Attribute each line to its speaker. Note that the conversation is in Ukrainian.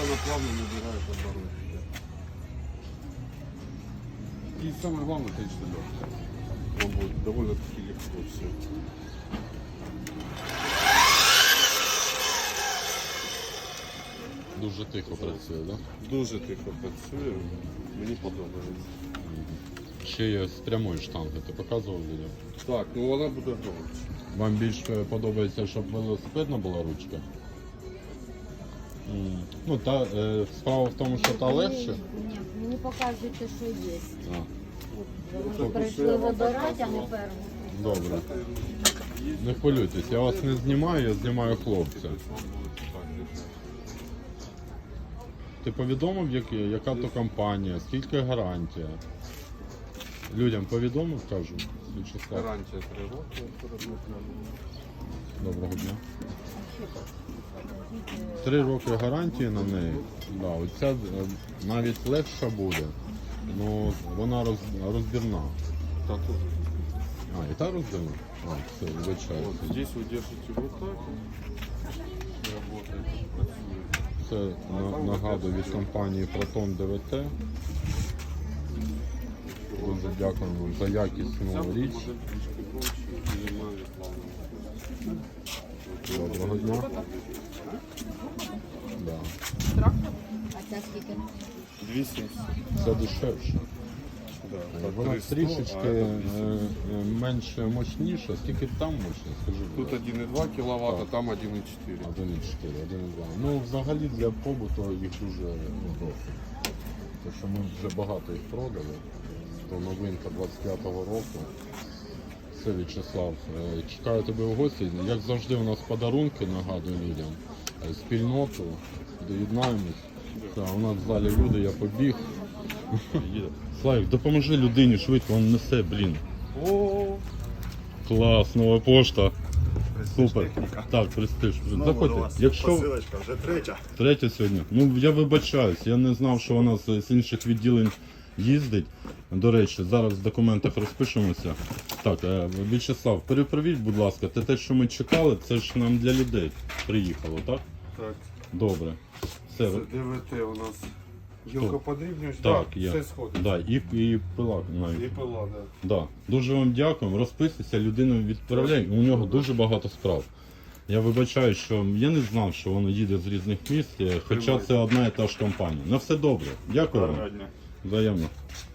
Speaker 1: она плавно набирает обороты. И самое главное, конечно, легкая. Он будет довольно-таки легко все.
Speaker 2: Дуже тихо працює, так?
Speaker 1: Дуже тихо працює, мені подобається.
Speaker 2: Ще є з прямої штанги, ти показував відео?
Speaker 1: Так, ну вона буде громче.
Speaker 2: Вам більше подобається, щоб велосипедна була ручка? Ну, справа в тому, що та легше.
Speaker 3: Ні, мені показуєте, що є.
Speaker 2: А,
Speaker 3: Ми прийшли вибирати, а не перву.
Speaker 2: добре. Не хвилюйтесь, я вас не знімаю, я знімаю хлопця. Ти повідомив, яка то компанія, скільки гарантія? Людям повідомив, кажу, Вячеслав.
Speaker 1: Гарантія 3 роки.
Speaker 2: Доброго дня. 3 роки гарантії на неї. Да, оця навіть легша буде, але вона розбірна.
Speaker 1: Та тут.
Speaker 2: А, і та розбірна? А, все, вибачаю.
Speaker 1: Вот здесь вы держите вот так. И работает, працює.
Speaker 2: Це нагадую від компанії Proton DVT. Дуже дякуємо за якісну річ. Доброго дня. Да.
Speaker 3: А це скільки?
Speaker 1: 200.
Speaker 2: Це дешевше.
Speaker 1: Да,
Speaker 2: Вона
Speaker 1: 300,
Speaker 2: трішечки
Speaker 1: а это 200.
Speaker 2: менш мощніша. Скільки там мощність? Скажи, будь
Speaker 1: Тут
Speaker 2: ласка.
Speaker 1: 1,2 кВт, а
Speaker 2: Так.
Speaker 1: там 1,4.
Speaker 2: 1,4, 1,2. Ну, взагалі для побуту їх дуже досить. Тому що ми вже багато їх продали. То новинка 25-го року. Все, Вячеслав, чекаю тебе в гості. Як завжди, у нас подарунки, нагадую людям. Спільноту, доєднаємось. У нас в залі люди, я побіг. Славік, допоможи людині швидко, він несе, блін.
Speaker 1: О,
Speaker 2: Клас, нова пошта. Супер.
Speaker 4: Техніка.
Speaker 2: Так, престиж.
Speaker 4: Знову до
Speaker 2: Заходьте.
Speaker 4: вас
Speaker 2: Якщо
Speaker 4: посилочка, вже третя.
Speaker 2: третя сьогодні. Ну, я вибачаюсь, я не знав, що вона з інших відділень їздить. До речі, зараз в документах розпишемося. Так, Вячеслав, перепровіть, будь ласка, те, що ми чекали, це ж нам для людей приїхало, так?
Speaker 1: так.
Speaker 2: Добре. Все,
Speaker 1: Це ДВТ у нас гілкоподрібнювач.
Speaker 2: так,
Speaker 1: да,
Speaker 2: є.
Speaker 1: все сходить.
Speaker 2: Да, і пила навіть.
Speaker 1: І пила, да.
Speaker 2: Да. Дуже вам дякуємо. Розписуйся, людину відправляємо. У нього дуже багато справ. Я вибачаю, що я не знав, що воно їде з різних міст, хоча це одна і та ж компанія. На все добре. Дякую вам.
Speaker 4: Гарного дня.
Speaker 2: Взаємно.